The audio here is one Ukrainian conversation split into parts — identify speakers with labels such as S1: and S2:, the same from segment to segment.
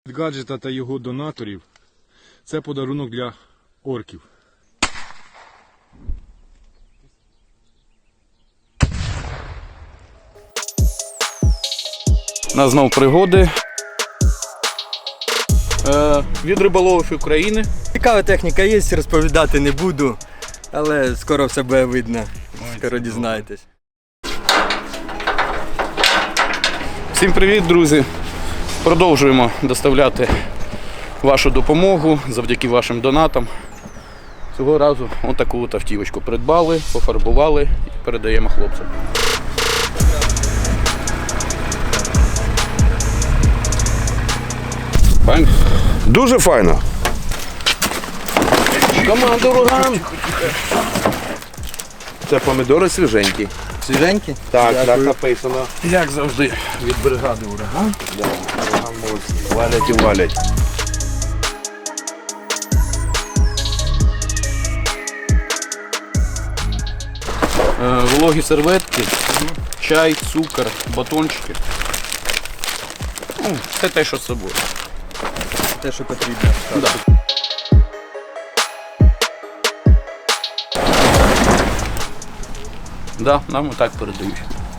S1: Від гаджета та його донаторів – це подарунок для орків.
S2: У нас знову пригоди від риболовів України.
S3: Цікава техніка є, розповідати не буду, але скоро все буде видно, скоро дізнаєтесь.
S2: Всім привіт, друзі! Продовжуємо доставляти вашу допомогу завдяки вашим донатам. Цього разу отаку от автівочку придбали, пофарбували і передаємо хлопцям. Файно?
S4: Дуже файно.
S2: Команда «Ураган».
S4: Це помідори свіженькі.
S3: Свіженькі?
S4: Так, так написано.
S2: Як завжди, від бригади «Ураган».
S4: Да, ураган молодці. Валять і валять.
S2: Вологі серветки, чай, цукор, батончики. Ну, все те, що з собою.
S3: Те, що потрібно.
S2: Да. Да, нам і так передають.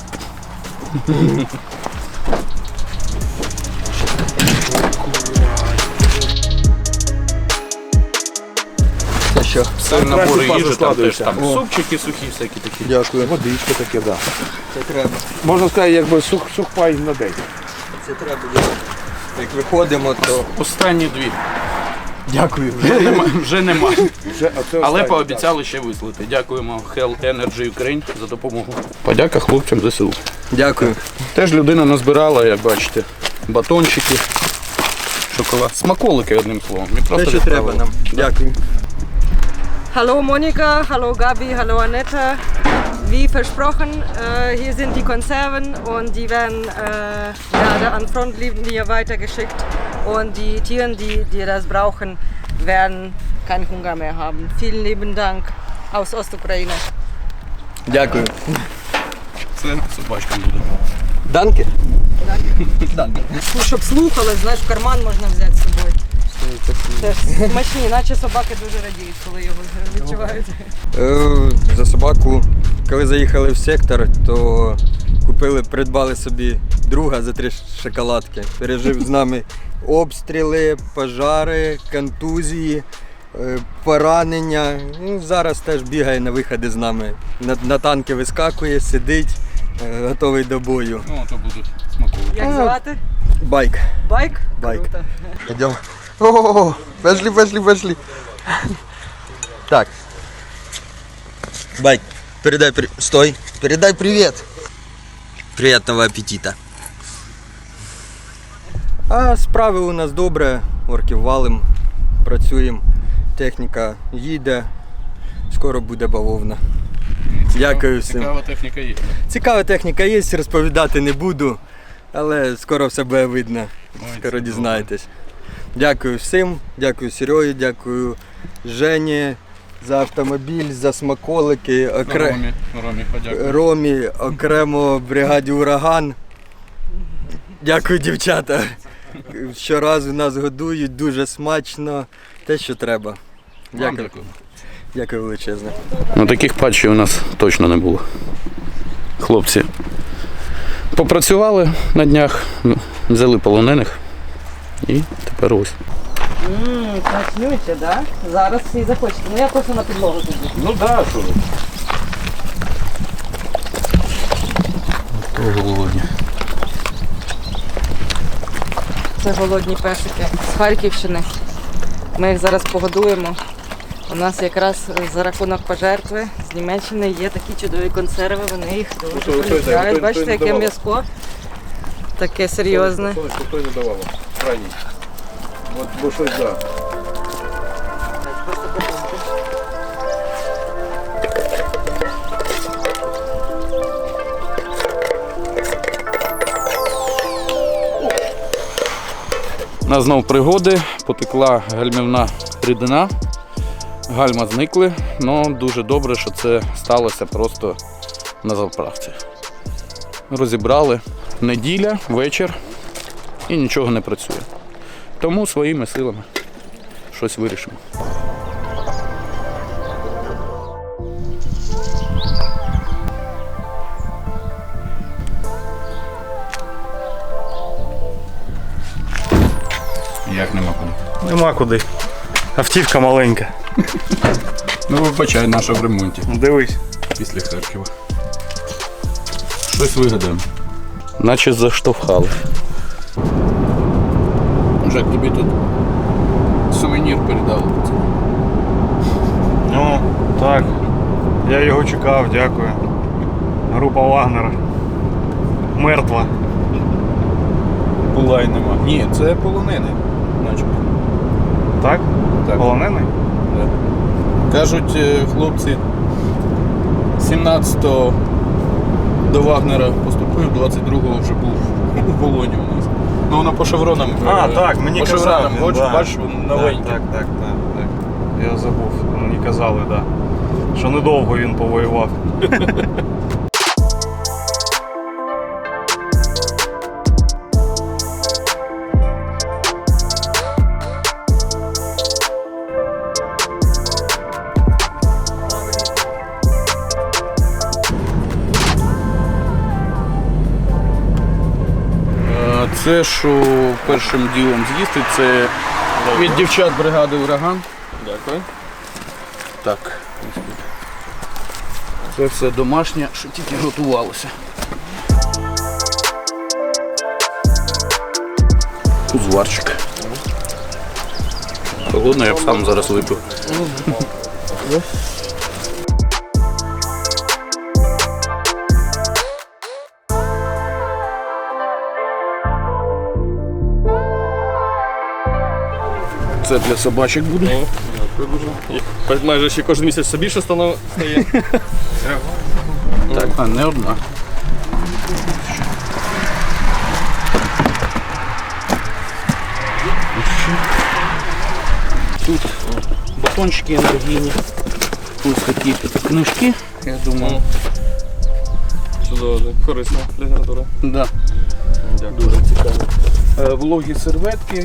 S3: Це що?
S2: Це набори
S4: краще
S2: їжі, там теж
S4: складується.
S2: там супчики сухі, всякі такі.
S3: Дякую.
S4: Водички таке, так. Да.
S3: Це треба.
S4: Можна сказати, якби сухпай на день.
S3: Це треба. Як виходимо, то...
S2: Останні дві.
S3: Дякую.
S2: Вже нема.
S4: Вже,
S2: Але
S4: останнє,
S2: пообіцяли ще вислати. Дякуємо Hell Energy Ukraine за допомогу. Подяка хлопцям ЗСУ.
S3: Дякую.
S2: Теж людина назбирала, як бачите, батончики, шоколад, смаколики, одним словом. І
S3: Те,
S2: просто
S3: що треба
S2: відправили.
S3: нам. Дякую.
S5: Hallo Monika, hallo Gabi, hallo Annette. Wie versprochen, hier sind die Konserven und die werden gerade an Frontlinie weitergeschickt. Und die Tiere, die das brauchen, werden keinen Hunger mehr haben. Vielen lieben Dank aus Ostukraine.
S3: Дякую.
S2: Це собачкам буде.
S3: Данки? Данки.
S5: Ну, щоб слухали, знаєш, в карман можна взяти з собою. Теж смачні, наче собаки дуже радіють, коли його відчувають.
S3: За собаку, коли заїхали в сектор, то придбали собі друга за 3 шоколадки. Пережив з нами обстріли, пожари, контузії, поранення. Ну, зараз теж бігає на виходи з нами. На танки вискакує, сидить, готовий до бою.
S2: Ну, то будуть смаколики.
S5: Як звати?
S3: Байк.
S5: Байк?
S3: Байк.
S5: Круто.
S3: Идем. О, пошли. Так. Байк, стой. Передай привет. Приятного аппетита. А справи у нас добре. Орків валим, працюємо. Техніка їде. Скоро буде бавовна. Дякую всім.
S2: Цікава техніка є.
S3: Цікава техніка є, розповідати не буду, але скоро все буде видно.
S2: Ой,
S3: Скоро
S2: це
S3: дізнаєтесь. Дякую всім, дякую Сереї, дякую Жені за автомобіль, за смаколики,
S2: Ромі, подякую.
S3: Ромі, окремо бригаді «Ураган». Дякую, дівчата. Щоразу нас годують, дуже смачно, те, що треба. Дякую. Дякую величезне.
S2: Ну, таких патчів у нас точно не було. Хлопці попрацювали на днях, взяли полонених і тепер ось.
S5: Смачнюється, да? Зараз всі захочуть. Ну я просто на підлогу тоді.
S2: Ну так, що. То голодні.
S5: Це голодні песики з Харківщини. Ми їх зараз погодуємо. У нас якраз за рахунок пожертви з Німеччини є такі чудові консерви, вони їх дуже полюбляють. Бачите, яке м'яско. Таке серйозне.
S4: Хто не давав? Крайній. От, бо щось, да.
S2: У нас знову пригоди, потекла гальмівна рідина, гальма зникли, але дуже добре, що це сталося просто на заправці. Розібрали, неділя, вечір і нічого не працює. Тому своїми силами щось вирішимо. Як нема куди?
S6: Нема куди. Автівка маленька.
S2: Ну вибачай, наша в ремонті.
S6: Дивись.
S2: Після Харкова. Щось вигадаємо. Наче заштовхали. Жак, тобі тут сувенір передали.
S6: Ну, так. Я його чекав, дякую. Група Вагнера. Мертва.
S2: Була й нема. Ні, це полонений. Начебто.
S6: Так?
S2: Так.
S6: Полонений?
S2: Кажуть, хлопці 17-го до Вагнера поступив, 22-го вже був у полоні у нас. Ну воно по шевронам.
S6: А, так, мені
S2: по
S6: казали.
S2: шевронам, хоч,
S6: Да.
S2: бачиш, новенький.
S6: Так. Я забув, мені казали, да. Що недовго він повоював.
S2: Це, що першим ділом з'їсти, це від дівчат бригади «Ураган».
S4: Дякую.
S2: Так. Це все домашнє, що тільки готувалося. Узварчик. Холодно, я б сам зараз випив. Це для собачок буде.
S4: Дякую дуже. Майже ще кожен місяць все більше стає.
S2: Так, а не одна. Тут батончики енергійні. Ось такі книжки, я думаю.
S4: Чудово, корисна література.
S2: Да.
S4: Дякую.
S2: Дуже цікаво. Вологі серветки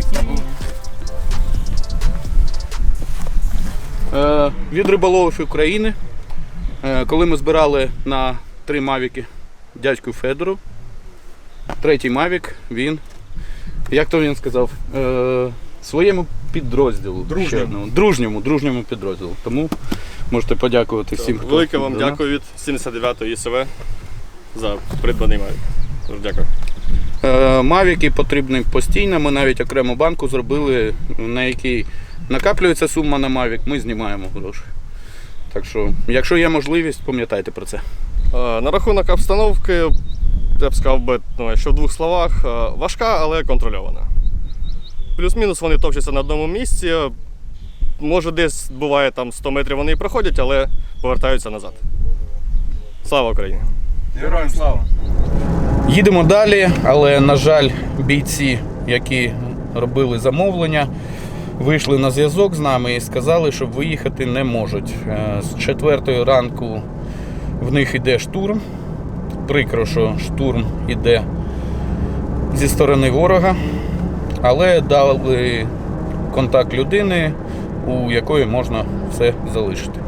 S2: і від риболовів України. Коли ми збирали на 3 мавіки дядьку Федору, 3-й мавік, він, як то він сказав, своєму підрозділу. Дружньому підрозділу. Тому можете подякувати всім, хто...
S4: Велике вам дякую від 79-ї ІСВ за придбаний мавік. Дуже дякую.
S2: Мавіки потрібні постійно, ми навіть окрему банку зробили, на якій накаплюється сума на мавік, ми знімаємо гроші. Так що, якщо є можливість, пам'ятайте про це.
S4: На рахунок обстановки, я б сказав би, що в 2 словах, важка, але контрольована. Плюс-мінус вони товчаться на одному місці, може десь буває там 100 метрів вони і проходять, але повертаються назад. Слава Україні!
S6: Героям слава!
S2: Їдемо далі, але, на жаль, бійці, які робили замовлення, вийшли на зв'язок з нами і сказали, що виїхати не можуть. З 4 ранку в них йде штурм. Прикро, що штурм йде зі сторони ворога, але дали контакт людини, у якої можна все залишити.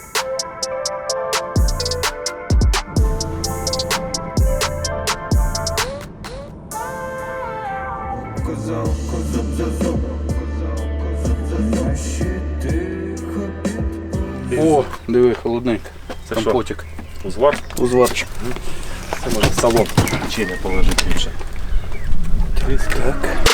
S2: О, диви, холодненько.
S7: Це
S2: компотик.
S7: Узвар?
S2: Узварчик.
S7: Це може в салон чи не положити більше.
S2: Так.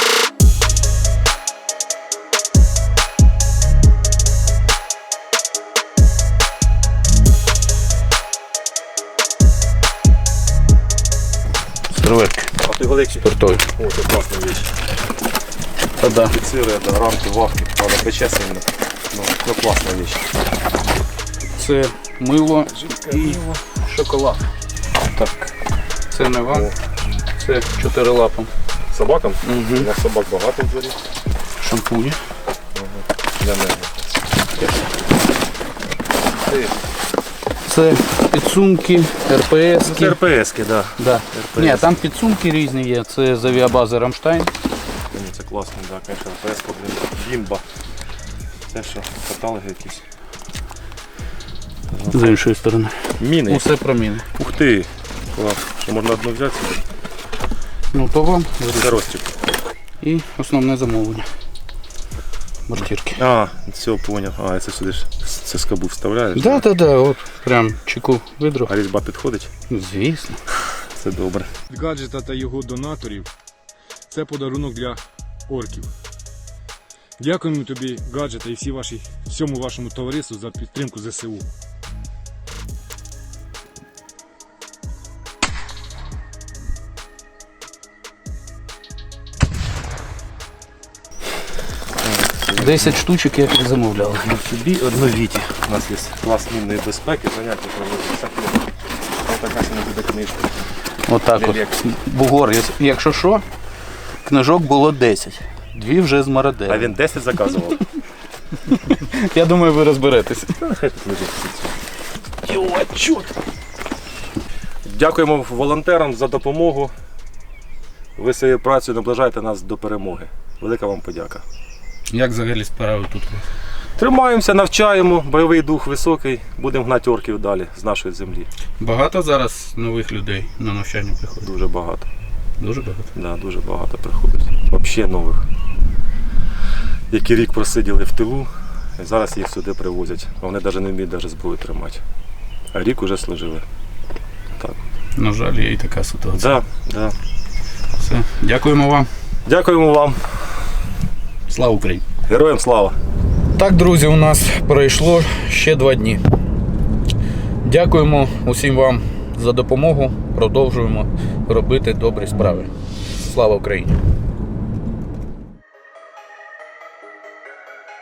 S2: Серветки.
S7: А ти Олексій?
S2: Спиртові.
S7: О, це класна річ.
S2: Та да.
S7: Офіцири, рамки, вахки, правда, пече сильно. Ну, класна річ.
S2: Це мило і шоколад. Так. Це не вам. Це 4 лапам.
S7: Собакам?
S2: Угу.
S7: У нас собак багато в дворі.
S2: Шампуні.
S7: Для мене.
S2: Це підсумки, РПС.
S7: Це РПС-ки, так.
S2: Да. Ні, там підсумки різні є. Це з авіабази Рамштайн.
S7: це класно, так, звісно, РПС, блін, бімба. Це що, каталоги якісь?
S2: З іншої сторони.
S7: Міни.
S2: Усе про міни.
S7: Ух ти, клас. Що можна одну взяти собі?
S2: Ну то вам.
S7: Це розтік.
S2: І основне замовлення. Мортирки.
S7: А, все, поняв. А, це сюди ж це скобу вставляєш?
S2: Так, от прям чеку видру.
S7: А різьба підходить?
S2: Звісно.
S7: Це добре.
S1: Від гаджета та його донаторів це подарунок для орків. Дякуємо тобі, гаджета, і всьому вашому товариству за підтримку ЗСУ.
S7: Це
S2: 10 штучок, як і замовляли.
S7: собі одну Віті. У нас є клас мінної безпеки, заняття проводиться. Ось така сьогодні буде книжка.
S2: Отак от. Бугор, якщо що, книжок було 10. 2 вже з
S7: А
S2: Мародера.
S7: він 10 заказував.
S2: Я думаю, ви розберетеся.
S7: Хай тут лежить. Дякуємо волонтерам за допомогу. Ви своєю працею наближаєте нас до перемоги. Велика вам подяка.
S2: Як взагалі справи тут?
S7: Тримаємося, навчаємо, бойовий дух високий, будемо гнати орків далі з нашої землі.
S2: Багато зараз нових людей на навчання приходить?
S7: Дуже багато.
S2: Дуже багато.
S7: Да, дуже багато приходить. Взагалі нових. Які рік просиділи в тилу, і зараз їх сюди привозять. Вони навіть не вміють зброю тримати. А рік уже служили. Так.
S2: На жаль, є і така ситуація.
S7: Да, да.
S2: Все. Дякуємо вам.
S7: Дякуємо вам.
S2: Слава Україні!
S7: Героям слава!
S2: Так, друзі, у нас пройшло ще 2 дні. Дякуємо усім вам за допомогу. Продовжуємо робити добрі справи. Слава Україні!